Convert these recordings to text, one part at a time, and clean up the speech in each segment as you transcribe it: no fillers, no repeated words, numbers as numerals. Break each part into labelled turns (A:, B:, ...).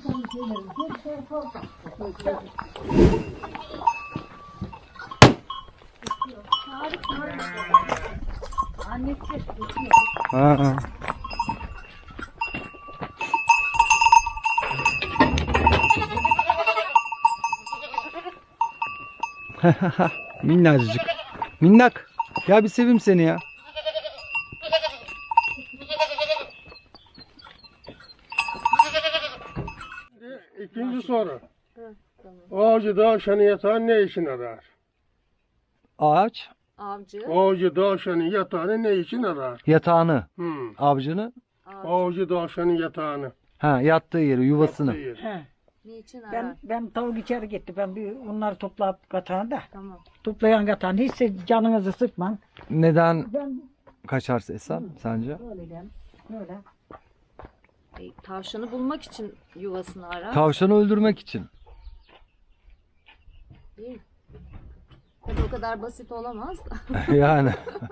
A: Annesi.
B: Ha. Minnacık. Minnak. Ya bir seveyim seni ya.
C: İkinci soru. Ağacı tavşanın yatağını ne için arar?
B: Ağaç
A: Avcı.
C: Ağacı tavşanın yatağını ne için arar?
B: yatağını,
C: Hmm.
B: avcını,
C: Ağacı tavşanın yatağını.
B: ha yattığı yeri, yuvasını.
C: Yaptığı yer.
D: He.
A: Niçin arar?
D: Ben tavuk içeri gitti. Ben bir onları toplayıp katağını da.
A: Tamam.
D: Toplayan katağını hiç canınızı sıkman.
B: Neden
D: Ben
B: kaçarsa Esen sence?
D: öyleyim. Öyle.
A: Tavşanı bulmak için yuvasını arar.
B: Tavşanı öldürmek için.
A: Değil. Tabii o kadar basit olamaz da.
B: Yani.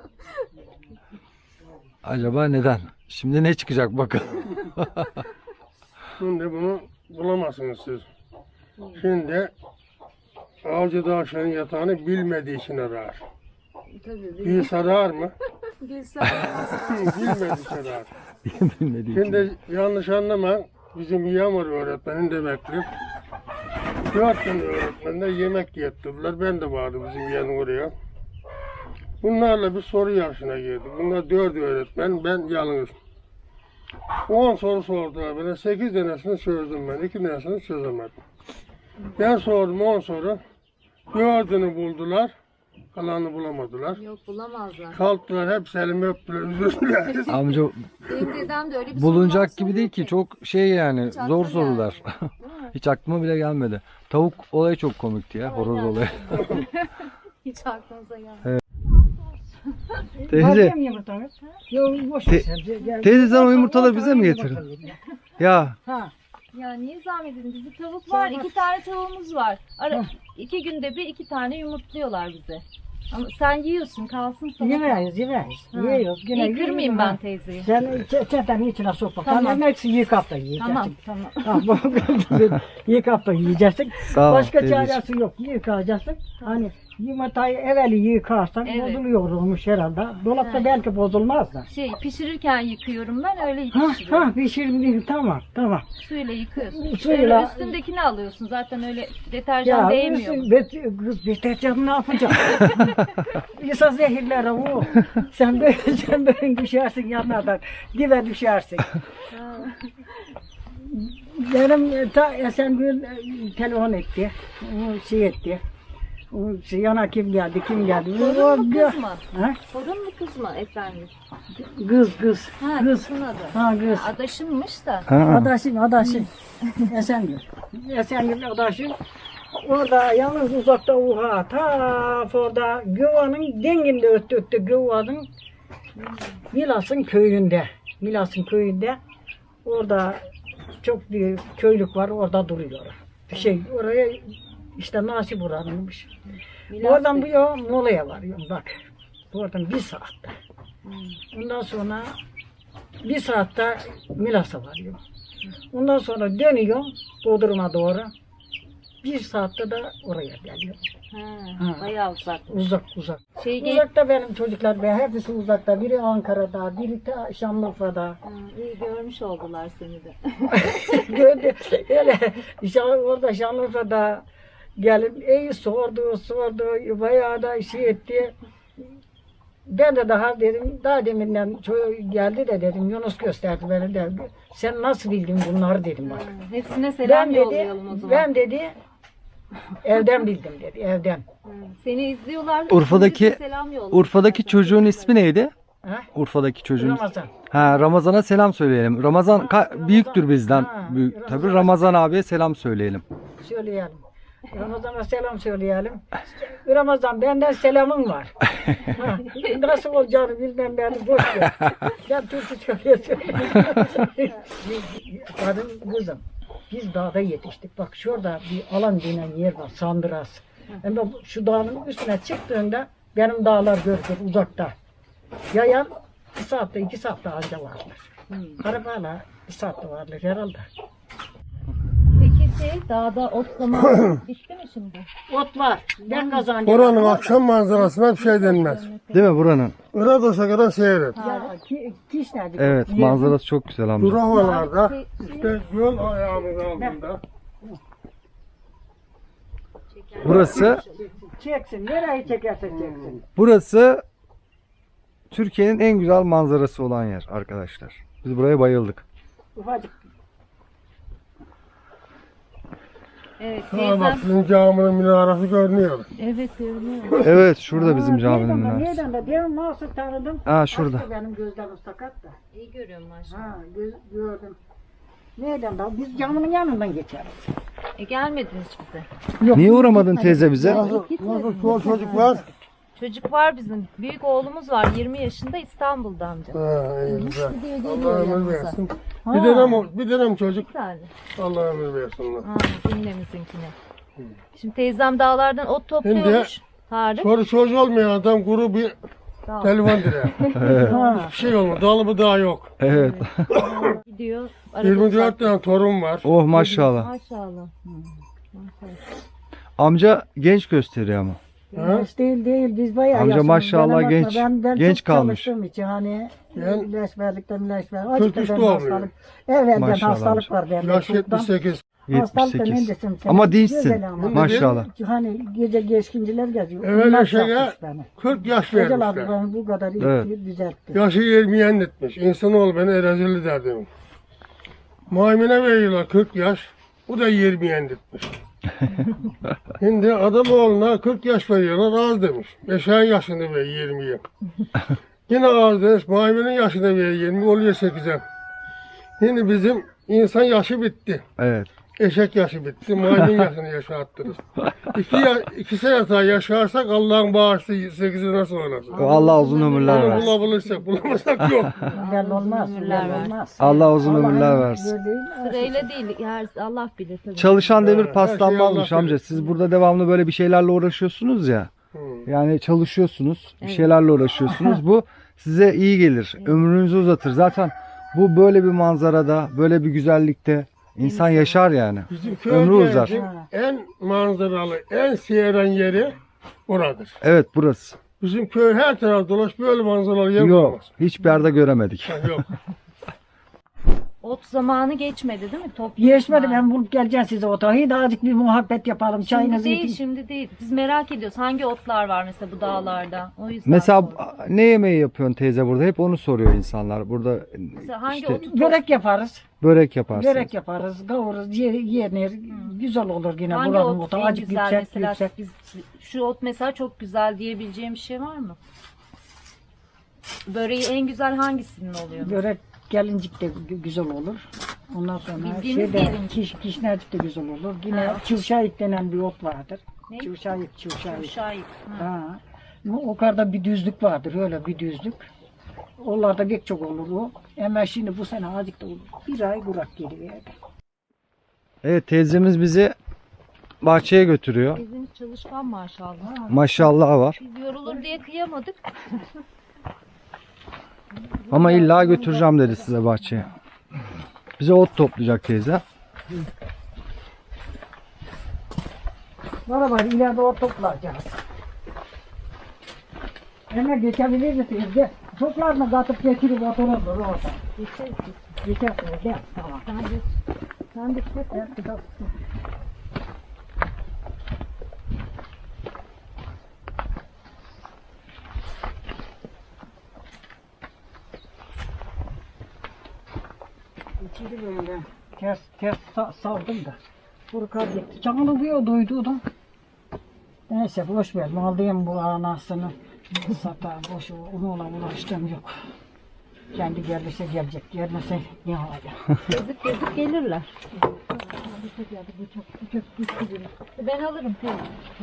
B: Acaba neden? Şimdi ne çıkacak bakalım.
C: Şimdi bunu bulamazsınız siz. Şimdi ağacı tavşanın yatağını bilmediği için arar.
A: Tabii.
C: Bilse arar mı?
A: Bilse
C: Bilmediği için arar.
B: Bilmediği için.
C: Şimdi yanlış anlama. Bizim Yağmur öğretmenin demektir. 4 tane öğretmenler yemek getirdiler. Ben de vardı bizim yanı oraya. Bunlarla bir soru yarışına girdik. Bunlar 4 öğretmen, ben yalnız. 10 soru sordular bana. 8 tanesini çözdüm ben. 2 tanesini çözemedim. Ben sordum 10 soru. 4'ünü buldular. Kalanını bulamadılar.
A: yok bulamazlar.
C: Kalktılar, hepsi elimi öptüler, üzüldüler.
B: Amca
A: Benim dedem de öyle bir soru
B: bulunacak
A: var,
B: gibi değil ki.
A: soruyor
B: Çok şey yani
A: Hiç aklıma
B: zor sorular.
A: Değil mi?
B: Hiç aklıma bile gelmedi. Tavuk olayı çok komikti ya. Horoz
A: Aynen.
B: olayı.
A: Hiç aklınıza gelmedi.
B: Teyze,
D: Bakayım yumurtanı. Yok boş ver sen. Gel.
B: teyze sen o yumurtaları bize mi getirdin? Ya
D: Ha.
A: Ya niye zahmet edin? Bizim tavuk var. 2 tane tavuğumuz var. 2 günde bir 2 tane yumurtluyorlar bize. Ama sen yiyorsun kalsın sana.
D: Yemeyiz.
A: Ha.
D: Yiyoruz. Yine
A: İyi kırmayayım ben teyzeyi.
D: Sen çeten içine sokma.
A: Tamam.
D: Tamam. Hepsi yıkap da yiyeceksin.
A: Tamam.
D: Tamam. Yıkap da yiyeceksin.
B: sağ ol
D: Başka
B: teyzeciğim.
D: çaresi yok. Yıkacaksın. Hani yumurtayı evveli yıkarsan
A: Evet.
D: bozuluyor olmuş herhalde. Dolapta
A: Ha.
D: belki bozulmaz da.
A: Pişirirken yıkıyorum ben öyle
D: Ha
A: pişiriyorum.
D: pişirdim. Tamam.
A: Suyla yıkıyorsun.
D: Suyla-
A: Öyle üstündekini alıyorsun. Zaten öyle deterjan değmiyor.
D: Deterjan ne yapacak? İsa zehirler o. Sen böyle düşersin yanlardan. Dibe düşersin. Benim Esen bir telefon etti. O şey etti. O şey, yana kim geldi?
A: Torun mu kız mı?
D: Ha?
A: Torun mu kız mı efendim?
D: Kız.
A: Ha
D: Kız.
A: kızın adı.
D: Ha kız.
A: Adaşımmış da.
B: Ha.
D: Adaşım. Esengül adaşım. Orada yalnız uzakta oha ta orada Güva'nın denginde öttü Güva'nın Milas'ın köyünde orada çok bir köylük var orada duruyor. Oraya işte nasip uğranmış. Oradan bu ya molaya varıyorum bak. Oradan 1 saatte. Ondan sonra 1 saatte Milas'a varıyorum. Ondan sonra dönüyorum Bodrum'a doğru. 1 saatte de oraya geliyorum.
A: Ha, bayağı uzak.
D: Uzak.
A: Şey
D: Uzakta benim çocuklar, hepsi uzakta. Biri Ankara'da, biri de Şanlıurfa'da.
A: iyi görmüş oldular seni de.
D: Gördü. Öyle orada Şanlıurfa'da gelip sordu. Bayağı da şey etti. Ben de daha deminden geldi de dedim, Yunus gösterdi beni de. Sen nasıl bildin bunları dedim bak.
A: Hepsine selam yollayalım o zaman.
D: Ben dedi, evden bildim dedi, evden.
A: Seni izliyorlar.
B: Urfa'daki-
A: bize selam yolluyorlar.
B: Urfa'daki çocuğun ismi neydi?
D: Ha?
B: Urfa'daki çocuğun.
D: Ramazan.
B: Ha, Ramazan'a selam söyleyelim. Ramazan büyüktür bizden.
D: Ha,
B: Büyük. Tabii
D: Ramazan.
B: Ramazan abiye selam söyleyelim.
D: Söyleyelim. Ramazan'a selam söyleyelim. Ramazan benden selamın var. Ha, nasıl olacağını bilmem beni boş ver. Ben Türkçe söylüyorum. Kadın kızım. Biz dağda yetiştik. Bak şurada bir alan denen yer var. Sandıras. Hem de şu dağın üstüne çıktığında benim dağlar görülür uzakta. Yayan 1 saatte 2 saatte anca varlar. Arabayla 1 saatte varlar herhalde.
A: Dağda ot zamanı bitti mi şimdi?
D: Ot var. Ben kazanacağım.
C: Oranın akşam manzarasına bir şey denmez.
B: Değil mi buranın?
C: Irak'a kadar seyret.
D: Ya kiş nerede?
B: Evet, manzarası çok güzel amca.
C: Dur havalarda işte göl ayağının altında.
B: Burası
D: Çeksin. Nereye çekerse çeksin.
B: Burası Türkiye'nin en güzel manzarası olan yer arkadaşlar. Biz buraya bayıldık.
D: Ufacık.
A: Evet
C: Ha
A: teyzem.
C: bak sizin caminin minaresi görünüyor.
A: Evet görünüyor.
B: Evet, şurada bizim caminin minaresi.
D: Nereden de diyorum nasıl tanıdım.
B: Ha, şurada.
D: Açtı benim gözlerim sakat da.
A: İyi görüyorum maşallah.
D: Ha gördüm. Nereden de biz camının yanından geçeriz.
A: Gelmediniz bize.
B: Niye uğramadın teyze bize?
C: Nasıl çol çocuk var?
A: Çocuk var bizim. Büyük oğlumuz var 20 yaşında İstanbul'da amca.
C: Ha iyi güzel.
A: Gidiyor
C: Allah
A: geliyor
C: ömür
A: yanımıza.
C: versin.
D: Ha.
C: Bir dönem çocuk.
A: Bir tane.
C: Allah ömür versin.
A: Ha, cümlemizinkine. Şimdi teyzem dağlardan ot topluyormuş. Tarık.
C: Sonra çocuk olmayan adam kuru bir
A: Dağ.
C: telefon direği.
D: Ha.
C: Bir şey olmadı. Dalı daha yok.
B: Evet.
A: Gidiyor. arada
C: 24 tane torun var.
B: Oh maşallah.
A: Maşallah. Maşallah.
B: Amca genç gösteriyor ama.
C: Ha?
D: Değil biz bayağı
B: Amca
D: yaşlıyız.
B: maşallah
D: Ben
B: genç-
D: ben
B: genç
D: çok
B: kalmış.
D: çalıştığım için hani
C: Ben-
D: ilaçverlikten
C: 43 doğumluyum.
D: Evet
B: Maşallah
D: hastalık var bende.
C: Yaş
D: çoktan.
C: 78.
D: Hastalıktan
B: 78.
D: öncesin sen.
B: Ama dinçsin.
D: Güzel ama.
B: Maşallah.
D: Hani gece geçkinciler geziyor.
C: Evet,
D: Onlar
C: şeye-
D: satmış beni.
C: 40 yaş
D: Hocalar
C: vermişler.
D: bana bu kadar iyi
B: Evet.
D: düzeltti.
C: Yaşı 20'ye etmiş. İnsanoğlu beni erazili derdim. Maymuna veriyorlar 40 yaş. Bu da 20'ye etmiş. Şimdi adam oğluna 40 yaş veriyorlar az demiş. 5'er yaşında ver 20'ye. Yine az demiş. Maymunun yaşında ver 20 oluyor 8'e. Şimdi bizim insan yaşı bitti.
B: Evet.
C: Eşek yaşı bitti. Maymun yaşını yaşattırız. 2 sene daha yaşarsak Allah'ın bağışlı 8'i nasıl olasın?
B: Allah uzun ömürler
C: Onu
B: versin.
C: bulabilirsek bulamazsak yok.
D: Belli olmaz.
A: Ömürler
D: Belli
A: ver.
D: olmaz.
B: Allah uzun
D: Allah'ın
B: ömürler versin.
D: verdiği-
A: Sırayla değil. Allah bilir tabii.
B: Çalışan demir
C: Evet, her
B: paslanmazmış
C: şey Allah
B: amca.
C: bilir.
B: Siz burada devamlı böyle bir şeylerle uğraşıyorsunuz ya. Yani çalışıyorsunuz, bir şeylerle uğraşıyorsunuz. Bu size iyi gelir. Ömrünüzü uzatır. Zaten bu böyle bir manzarada, böyle bir güzellikte insan yaşar yani.
C: Bizim
B: Ömrü uzar.
C: köyümüzün en manzaralı, en seyren yeri buradır.
B: Evet, burası.
C: Bizim köy her taraf dolaş böyle manzaralı yer
B: Yok,
C: bulamaz.
B: hiçbir yerde göremedik.
C: Ha, yok.
A: Ot zamanı geçmedi değil mi? Top
D: Geçmedi ben bulup geleceğim size otağı. Da azıcık bir muhabbet yapalım.
A: Şimdi
D: Çayınızı
A: değil,
D: için.
A: şimdi değil. Biz merak ediyoruz. Hangi otlar var mesela bu dağlarda? O yüzden
B: Mesela
A: sordum.
B: ne yemeği yapıyorsun teyze burada? Hep onu soruyor insanlar. Burada
A: Mesela hangi
B: işte
A: otu
D: Börek yaparız.
B: börek yaparsınız.
D: Börek yaparız. Kavururuz. Yenir. Güzel olur yine.
A: hangi
D: Buranın
A: ot
D: otu.
A: en
D: Azıcık
A: güzel
D: yüksek
A: mesela?
D: yüksek.
A: Biz, şu ot mesela çok güzel diyebileceğim bir şey var mı? Böreği en güzel hangisinin oluyor?
D: Börek gelincik de güzel olur. Ondan sonra
A: Bildiğimiz gelincik.
D: kişnercik de güzel olur. Yine
A: Ha.
D: çılşayık denen bir ot vardır.
A: Ne?
D: Çılşayık.
A: Şahit.
D: Ha. O kadar bir düzlük vardır. Öyle bir düzlük. Onlarda pek çok olur o. Ama şimdi bu sene azıcık da olur. Bir ay kurak geliverdi.
B: Evet, teyzemiz bizi bahçeye götürüyor.
A: Bizim çalışkan maşallah.
B: Maşallah var.
A: Biz yorulur diye kıyamadık.
B: Ama illa götüreceğim dedi size bahçeye. Bize ot toplayacak teyze.
D: Bana ileride o toplayacağız. Hemen geçebilir misiniz? Gel. Toplarını katıp getirip otururdur orada. Geçersiniz. Gel. Tamam.
A: Sen de
D: Gel, kitap. İçeri böyle ters saldım da. Burkar gitti. Canını bir duydu da. Neyse boş ver. Aldığım bu anasını satar. Boş onunla uğraştığım yok. Kendi gelirse gelecek. Gelmese ne olacak?
A: gezip gelirler. Ben alırım teyze.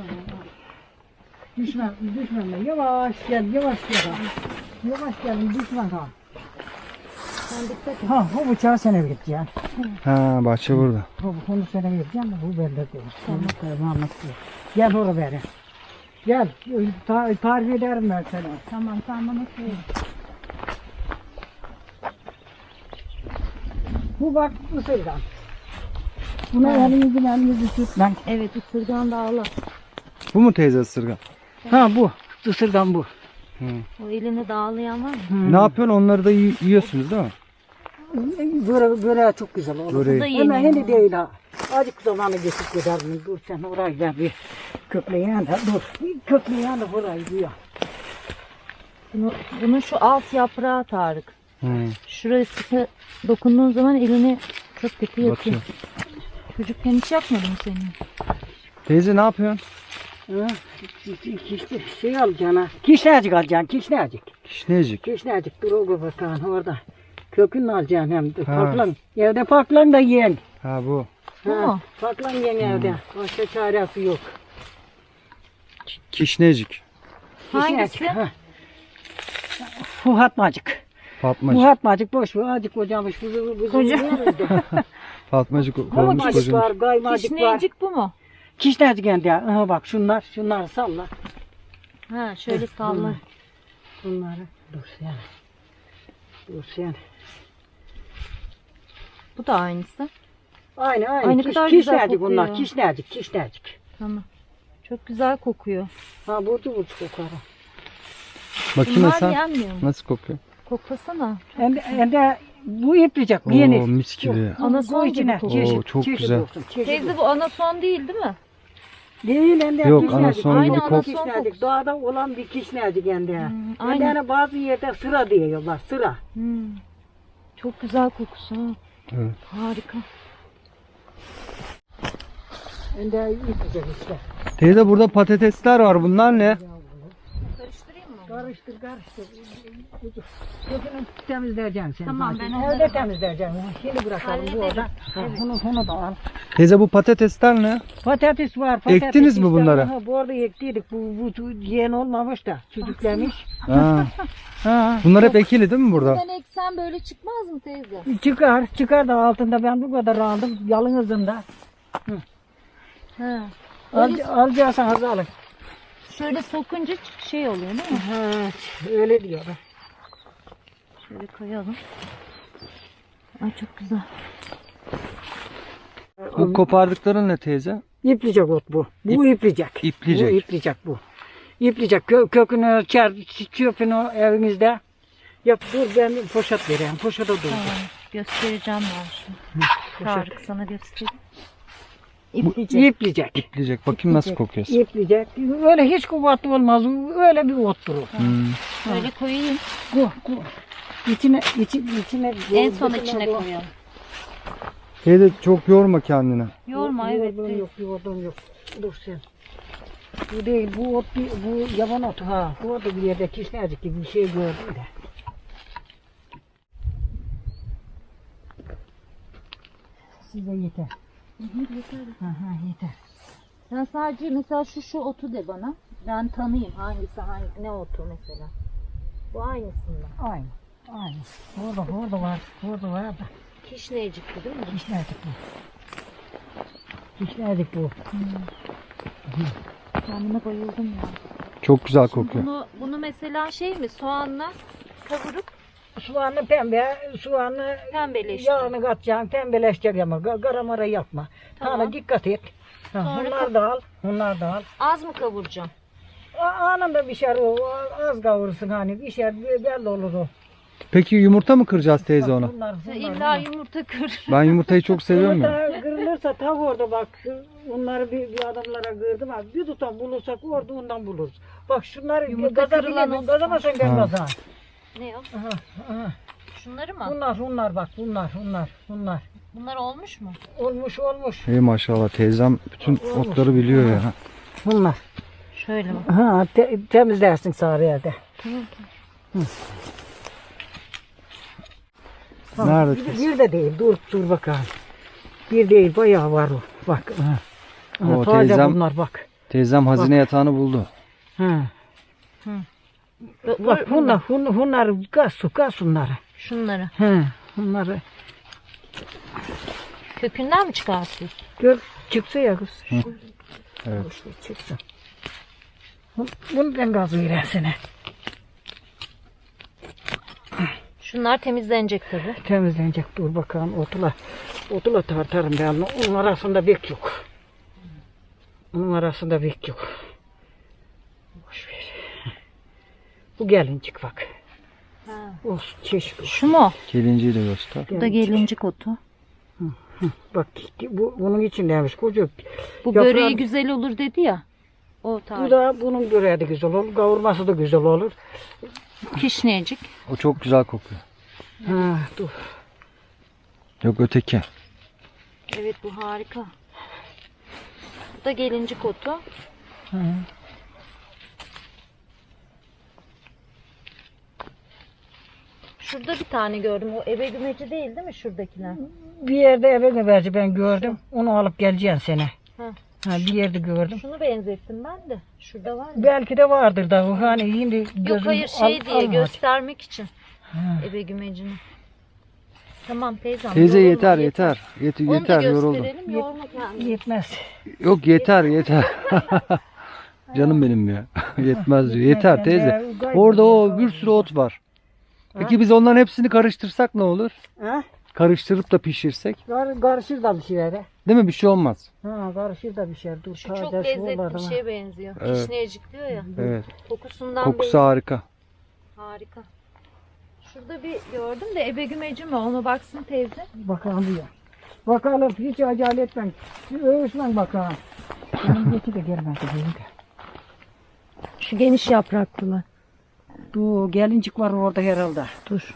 D: Düşme. Yavaş gel. Yavaş gelin düşme ha.
A: Sen dikkat et.
D: Ha bu bıçağı sana vereceğim.
B: Ha, bahçe burada.
D: Bunu sana vereceğim de bu bende değil. Tamam. Gel oraya beri. Gel. Tarif ederim ben sana.
A: Tamam sen bana söyle.
D: Bu bak Mısır'dan. Buna elimizi tutman.
A: Evet, ısırgan dağlı.
B: Bu mu teyze ısırgan?
D: Ha bu. Isırgan bu.
A: O elini dağlayan var mı?
B: Ne yapıyorsun? Onları da yiyorsunuz değil mi?
D: Böyle çok güzel olur.
B: Böreği.
A: Bu da
D: Hemen
A: yeniyor.
D: hindi değil ha. Azıcık zamanı geçip gider mi? Dur sen orayı ben bir kökleyen de dur. Bir kökleyen de burayı diyor.
A: Bunun şu alt yaprağı Tarık.
B: Hı.
A: Şurası dokunduğun zaman elini çok kötü yakıyor.
B: Batıyor.
A: Çocukken hiç yakmadı mı senin?
B: Teyze ne yapıyorsun?
D: Ha, şey alacaksın ha. Kişnecik alacaksın, kişnecik.
B: Kişneyecik.
D: Kişnecik dur o bakalım orada. Kökünü alacaksın hem de.
B: Ha.
D: Paklan. Evde paklan da yiyin.
B: Ha bu.
A: Bu mu?
D: Paklan yiyin evde. Başka çaresi yok.
B: Kişneyecik.
A: Hangisi?
D: Kişnecik, ha. Fuhatmacık.
B: Fatmacık.
D: Fuhatmacık boş ver. Azıcık kocamış.
B: Fatmacık olmuş
D: Fuhatmacık
B: kocamış.
D: var, gaymacık var.
A: Kişneyecik bu mu?
D: Kişnecik kendi. Aha bak şunları salla.
A: Ha, şöyle salla.
D: Bunları dur sen. Dur sen.
A: Bu da aynısı.
D: Aynı.
A: Ay, ne kadar güzel
D: Kişnecik
A: kokuyor.
D: bunlar. Kişnecik.
A: Tamam. Çok güzel kokuyor.
D: Ha burcu kokar.
B: Bakayım
A: Bunlar
B: sen.
A: yenmiyor mu?
B: Nasıl kokuyor?
A: Koklasana.
D: Hem de bu yapacak.
B: Oo,
D: Yenir.
B: mis gibi.
A: Anason gibi
D: içine.
A: kokuyor.
B: Oo, çok güzel.
D: olsun, çeşit
A: Teyze
D: olsun.
A: bu anason değil mi?
D: Değil hem de
B: Yok,
D: kişnecik.
B: anason
A: gibi
D: Aynı
A: kok-
D: anason kişnecik. Doğada olan bir kişnecik hem de. Hem de
A: aynen.
D: hani bazı yerde sıra diyorlar. Sıra.
A: Çok güzel kokusu. Ha.
B: Evet.
A: Harika.
D: Hem de yapacak işte.
B: Teyze burada patatesler var. Bunlar ne?
A: Karıştırayım mı?
D: Karıştır. Kökünü temizleyeceksin sen.
A: Tamam,
D: zaten.
A: ben onları-
D: Evde temizleyeceksin. Şimdi bırakalım bu
A: Hallederim.
D: orada. Ha, bunu da al.
B: Teyze bu patatesler ne?
D: Patates var.
B: Ektiniz mi
D: işte.
B: bunları?
D: Aha, bu arada ektiydik. Bu yeni olmamış da. Çocuklarmış.
B: Ha.
D: Ha.
B: Bunlar hep ekili değil mi burada?
A: Sen eksen böyle çıkmaz mı teyze?
D: Çıkar da altında ben bu kadar aldım. Yalın hızında.
A: Ha.
D: Alacaksanız alın.
A: Şöyle sokunca şey oluyor değil mi?
D: Ha, öyle diyorlar.
A: Şöyle koyalım. Ay çok güzel.
B: Bu kopardıkların ne teyze?
D: İplicek ot bu. Bu iplicek.
B: İplicek.
D: Bu iplicek bu. İplicek. Kökünü çöpünü evinizde. Yap dur ben poşet vereyim. Poşete dur.
A: Tamam. Göstereceğim ben şimdi. Tarık sana göstereyim. İplicek.
D: İplicek.
B: İpleyecek. Bakayım nasıl kokuyor.
D: İplicek. Öyle hiç kuvvetli olmaz. Öyle bir ot durur.
A: Şöyle koyayım.
D: Bu. İçine
A: En son içine koyalım.
B: Teyze çok yorma kendini.
A: Yorma evet.
D: Yoğurdum yok. Dur sen. Bu değil, bu ot, bu yaban otu ha. Bu orada bir yerde kişnecik gibi bir şey gördüm de. Size yeter.
A: Yeter.
D: Yeter.
A: Sen sadece mesela şu otu de bana. Ben tanıyayım hangisi ne otu mesela. Bu aynısından.
D: Aynı. Orada var da.
A: Kişneyecikti değil mi?
D: Kişnecik bu. Kişnecik bu.
A: Kendime bayıldım ya.
B: Çok güzel kokuyor.
A: Bunu mesela şey mi soğanla kavurup
D: Soğanı pembe, soğanı
A: pembeleştir.
D: yağını katacaksın, pembeleşecek ama garamara yapma.
A: Tamam.
D: Sana dikkat et. Ha,
A: Sonra
D: bunlar da al.
A: Az mı kavuracağım?
D: Anında pişer o, az kavurursun hani pişer belli olur o.
B: Peki yumurta mı kıracağız teyze ona?
D: Bunlar.
A: İlla yumurta kır.
B: Ben yumurtayı çok seviyorum ya.
D: Yumurta kırılırsa tav orada bak. Onları bir adamlara kırdım abi. Bir tutam bulursak orada ondan buluruz. Bak şunları
A: Yumurta kırılan
D: gazabilirim.
A: o
D: Gazamasan gelmez ha.
A: Ne o?
D: Aha.
A: Şunları mı?
D: Bunlar bak bunlar.
A: Bunlar olmuş mu?
D: Olmuş.
B: İyi maşallah teyzem bütün otları biliyor ya.
D: Bunlar.
A: Şöyle mi?
D: Ha temizlersin sarı yerde.
B: Nerede
D: Bir,
B: teyze?
D: bir de değil. Dur bakalım. Bir değil bayağı var o. Bak. Aha.
B: O
D: Taze
B: teyzem-
D: bunlar bak.
B: Teyzem hazine yatağını buldu.
D: Ha. Bak bunlar gaz bunları.
A: Şunları.
D: He, bunları
A: Kökünden mi çıkartıyorsun?
D: gör çıksa ya kız.
B: Evet.
D: Çıksın. Bunu ben gaz veresene.
A: Şunlar temizlenecek tabii.
D: Temizlenecek dur bakalım otla. Odula tartarım ben. Onun arasında bek yok. Onun arasında bek yok. Boş ver. Bu gelincik bak. Olsun çeşit.
A: Şu mu?
B: Gelinciyi de göster.
A: Bu da gelincik otu.
D: Bak bu bunun içindeymiş koca.
A: Bu
D: Yaprağı-
A: böreği güzel olur dedi ya. O
D: Bu
A: tarif.
D: da bunun böreği de güzel olur. Kavurması da güzel olur.
A: Kişneyecik.
B: O çok güzel kokuyor.
D: Ha, dur.
B: Yok öteki.
A: Evet bu harika. Bu da gelincik otu. Şurada bir tane gördüm. O ebe gümeci değil mi şuradakiler?
D: Bir yerde eve göberci ben gördüm. Onu alıp geleceğim sene.
A: Ha.
D: Ha, bir yerde gördüm.
A: Şunu benzettim ben de. Şurada var mı?
D: Belki de vardır da. Hani şimdi
A: Yok
D: gözüm
A: hayır şey diye
D: almadı.
A: göstermek için.
D: Ha.
A: Ebe gümecini. Tamam teyzem.
B: Teyze
A: yorulma,
B: yeter yeter.
A: Onu
B: Yeter
A: da
B: yoruldum.
A: gösterelim. Yorma kendini.
D: Yetmez.
B: Yok yeter yeter. Canım benim ya. Yetmez diyor. Yeter
D: Ben
B: teyze.
D: de gayet
B: Orada o
D: güzel
B: bir sürü ot var. Peki biz onların hepsini karıştırsak ne olur?
D: Ha?
B: Karıştırıp da pişirsek.
D: Karışır da bir şeylere.
B: Değil mi? Bir şey olmaz.
D: Ha, karışır da bir şey. Dur,
A: Şu çok
D: taze
A: lezzetli
D: soğumadı
A: bir
D: ama.
A: şeye benziyor.
B: Evet.
A: Kişneyecik diyor ya.
B: Evet.
A: Kokusundan
B: Kokusu
A: belli.
B: harika.
A: Harika. Şurada bir gördüm de ebe gümeci mi? Ona baksın teyze.
D: Bakalım diyor. Bakalım hiç acele etmem. Övüşmem bakalım. Benim geçi de gelmedi benim de.
A: Şu geniş yapraklılar.
D: Dur gelincik var orada herhalde.
A: Dur.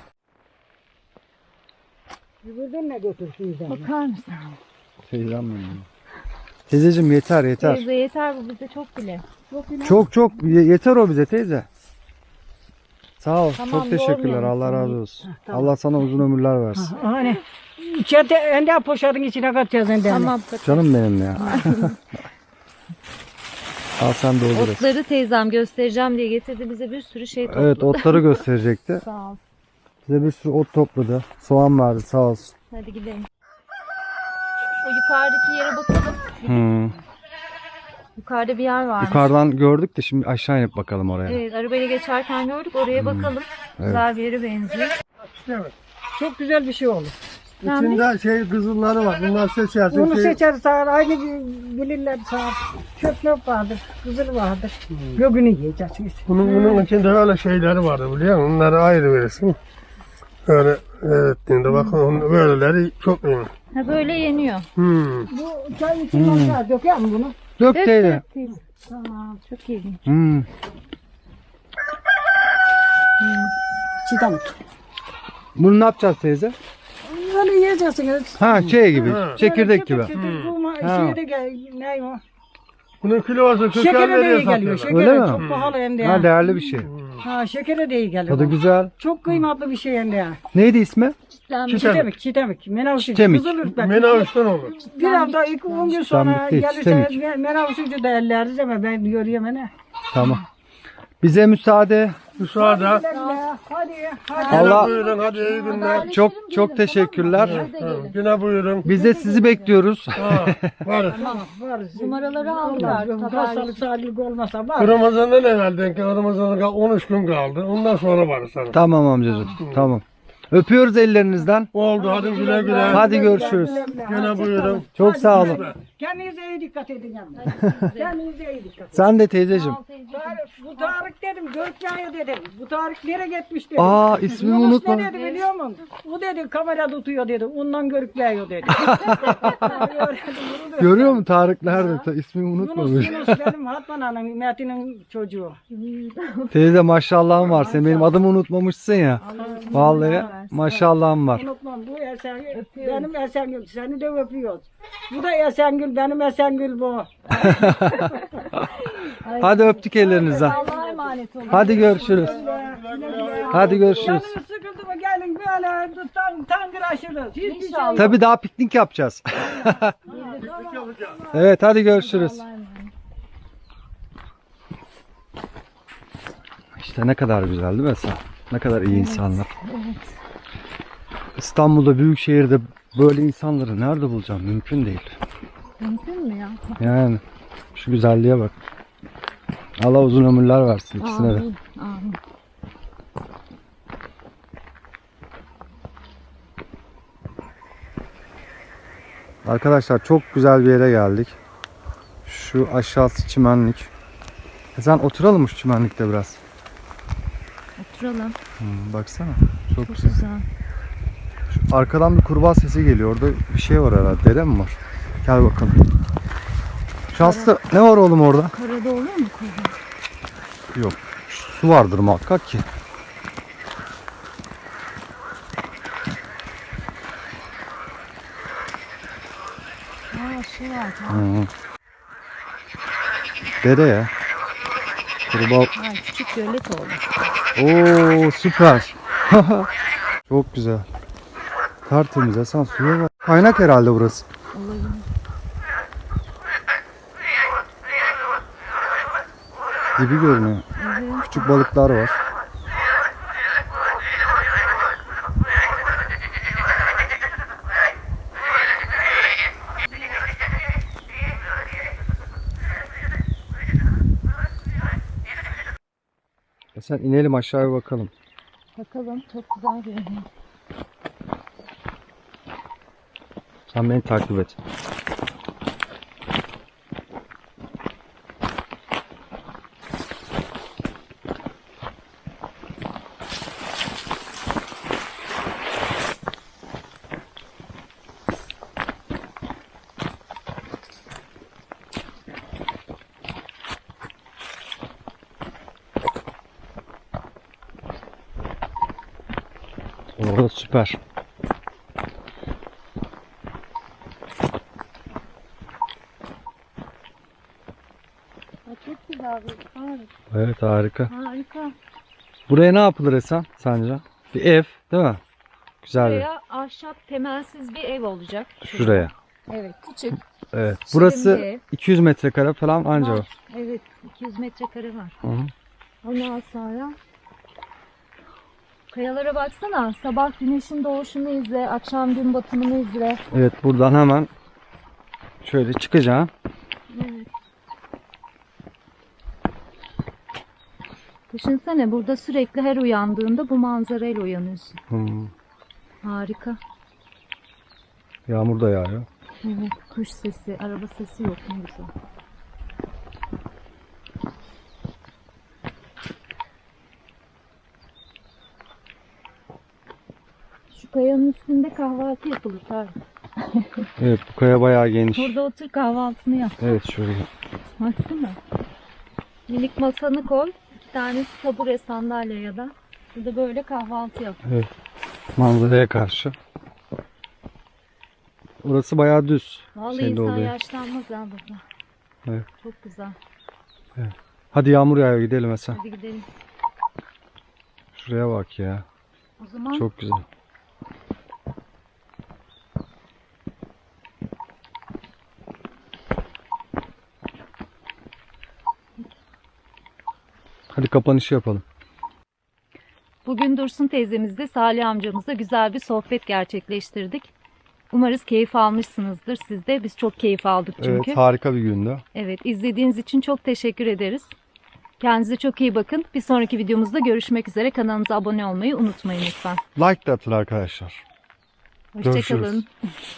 D: Buradan ne götürsün sen?
A: Bakar mısın?
B: Teyzem benim. Teyzeciğim yeter yeter.
A: Teyze yeter bu bize çok bile.
B: Çok yeter o bize teyze. Sağ ol.
A: Tamam,
B: çok teşekkürler.
A: yormayalım
B: Allah
A: seni.
B: razı olsun.
D: tamam.
B: Allah sana uzun ömürler versin.
D: Hani içeride ende poşetin içine katacağız ende.
A: Tamam.
B: Canım benim ya. Al sen de olur.
A: Otları teyzem göstereceğim diye getirdi bize bir sürü şey topladı.
B: Evet otları gösterecekti.
A: Sağ ol.
B: Bize bir sürü ot topladı. Soğan verdi sağ olsun.
A: Hadi gidelim. O yukarıdaki yere bakalım.
B: Hmm.
A: Yukarıda bir yer varmış.
B: Yukarıdan gördük de şimdi aşağı inip bakalım oraya.
A: Evet arabayla geçerken gördük. Oraya bakalım. Güzel bir yere benziyor.
C: Evet.
D: Çok güzel bir şey olur.
C: İçinde şey kızılları var. Bunlar seçersin.
D: Onu
C: Şey,
D: seçer sağır. Aynı bilirler sağır. Çöp vardır. Kızıl vardır. Gögünü yiyeceksiniz.
C: bunun içinde öyle şeyleri vardı biliyor musun? Onları ayrı verirsin. Öyle ettiğinde bakın böyleleri çok iyi.
A: Ha böyle yeniyor.
D: Bu çay için olsa döker mi bunu?
B: Dök teyze.
A: teyze. Tamam çok iyi.
B: Hmm.
D: Çiğdem tut.
B: Bunu ne yapacağız teyze?
D: Öyle yiyeceksiniz.
B: Ha şey gibi.
C: Ha.
B: Çekirdek gibi.
D: Bu
B: Ha.
D: şeye de gel. Ne o?
C: Bunun kilosu 40
D: Şekere de
C: liraya
D: iyi geliyor.
C: satıyorlar.
B: Öyle
D: Şekere
B: mi?
D: çok pahalı hem de.
B: Ha değerli bir şey.
D: Ha şekere de iyi geliyor.
B: Tadı güzel.
D: Çok kıymetli bir şey hem de.
B: Neydi ismi?
D: Çiğdemik, çiğdemik. Menavşık.
B: Çiğdemik.
D: Kızıl ürkmek.
C: Menavuştan olur.
D: Bir hafta 2-10 gün sonra
B: Çiğdemik değil,
D: gelirse
B: çiğdemik.
D: menavşıkçı da elleriz ama ben görüyorum ne.
B: Tamam. Bize müsaade.
C: Müsaade.
D: Hadi.
B: Allah
C: Buyurun hadi iyi günler.
B: çok teşekkürler.
C: Yine buyurun.
B: Biz de sizi bekliyoruz.
C: Ha, varız.
D: Varız.
A: Numaraları aldılar.
D: Hastalık sağlık olmasa var.
C: Ramazan'dan evvelden ki Ramazan'a 13 gün kaldı. Ondan sonra varız sana.
B: Tamam amcacığım. Tamam. Öpüyoruz ellerinizden.
C: Oldu hadi güle güle.
B: Hadi görüşürüz.
C: Yine buyurun.
B: Çok sağ olun.
D: Kendinize iyi dikkat edin yalnız. Kendinize iyi dikkat edin.
B: Sen de teyzeciğim.
D: Bu Tarık dedim, Görkay'a dedim. Bu Tarık nereye gitmiş dedim.
B: Aa ismimi
D: Yunus
B: unutma.
D: ne dedi biliyor musun? O dedi kamera tutuyor dedi. Ondan Görkay'a dedi.
B: Görüyor musun Tarık nerede? İsmimi unutmamış.
D: Yunus benim Hatman Hanım, Metin'in çocuğu.
B: Teyze maşallahım var. Sen benim adımı unutmamışsın ya. Vallahi maşallahım var.
D: Unutmam bu Esengül, benim Esengül. Seni de öpüyoruz. Bu da Esengül, benim Esengül bu.
B: Hadi öptük ellerinizden.
A: Allah'a emanet olun.
B: Hadi görüşürüz. Hadi görüşürüz.
D: Canınız sıkıldı mı gelin böyle tangıraşırız. Hiçbir şey
B: Tabii daha piknik yapacağız. Evet hadi görüşürüz. İşte ne kadar güzel değil mi Esen? Ne kadar iyi insanlar. İstanbul'da büyük şehirde böyle insanları nerede bulacağım? Mümkün değil.
A: Mümkün mü ya?
B: Yani şu güzelliğe bak. Allah uzun ömürler versin ikisine de.
A: Amin. Amin.
B: Arkadaşlar çok güzel bir yere geldik. Şu aşağısı çimenlik. Sen oturalım mı şu çimenlikte biraz?
A: Oturalım.
B: Baksana. Çok
A: Çok
B: güzel.
A: güzel.
B: Arkadan bir kurbağa sesi geliyor. Orada bir şey var herhalde. Dere mi var? Gel bakalım. Şanslı ne var oğlum orada?
A: Karada olur mu kurbağa?
B: Yok. Su vardır muhakkak ki.
A: Aa şu var.
B: Hı. Dere ya. Kurbağa.
A: Ay, küçük gölet oldu.
B: Oo süper. Çok güzel. Tertemiz Hasan, suya bak. Kaynak herhalde burası.
A: Olabilir.
B: Gibi görünüyor.
A: Evet.
B: Küçük balıklar var. Sen inelim aşağıya bakalım.
A: Bakalım, çok güzel görünüyor.
B: Sen beni takip et. Orada süper.
A: Aa, çok güzel bir harika.
B: Evet harika.
A: Harika.
B: Buraya ne yapılır Esen sence? Bir ev değil mi? Güzel bir.
A: Buraya ahşap temelsiz bir ev olacak.
B: Şuraya.
A: Evet, küçük.
B: Evet.
A: Şirin
B: Burası
A: bir ev.
B: 200 metrekare falan anca
A: Var.
B: var.
A: Evet, 200 metrekare var.
B: Hı hı.
A: Ondan sonra kayalara baksana. Sabah güneşin doğuşunu izle, akşam gün batımını izle.
B: Evet buradan hemen şöyle çıkacağım.
A: Evet. Düşünsene, burada sürekli her uyandığında bu manzarayla uyanıyorsun. Harika.
B: Yağmur da yağıyor.
A: Evet, kuş sesi, araba sesi yok, ne güzel. Şu kayanın üstünde kahvaltı yapılır tabii.
B: Evet bu kaya bayağı geniş.
A: Burada otur, kahvaltını yap.
B: Evet şöyle.
A: Baksana. Minik masanı koy. 2 tane tabure, sandalye ya da. Burada böyle kahvaltı yap.
B: Evet. Manzaraya karşı. Orası bayağı düz.
A: Vallahi
B: Şeyde
A: insan
B: oluyor.
A: yaşlanmaz ha burada.
B: Evet.
A: Çok güzel.
B: Hadi yağmur yağıyor gidelim Esen.
A: Hadi gidelim.
B: Şuraya bak ya.
A: O zaman
B: Çok güzel. Hadi kapanışı yapalım.
A: bugün Dursun teyzemizle Salih amcamızla güzel bir sohbet gerçekleştirdik. Umarız keyif almışsınızdır siz de. Biz çok keyif aldık çünkü.
B: Evet harika bir gündü.
A: Evet, izlediğiniz için çok teşekkür ederiz. Kendinize çok iyi bakın. Bir sonraki videomuzda görüşmek üzere. Kanalımıza abone olmayı unutmayın lütfen.
B: Like de atın arkadaşlar.
A: Hoşçakalın.
B: Görüşürüz.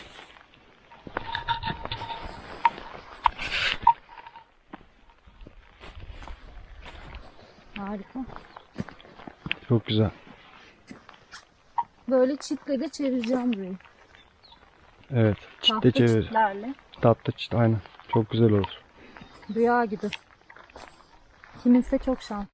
A: Harika.
B: Çok güzel.
A: Böyle çitle de çevireceğim burayı.
B: Evet. Çitle
A: Tahta
B: çevir.
A: çitlerle.
B: Tatlı çit aynen. Çok güzel olur.
A: Rüya gibi. Kiminse çok şans.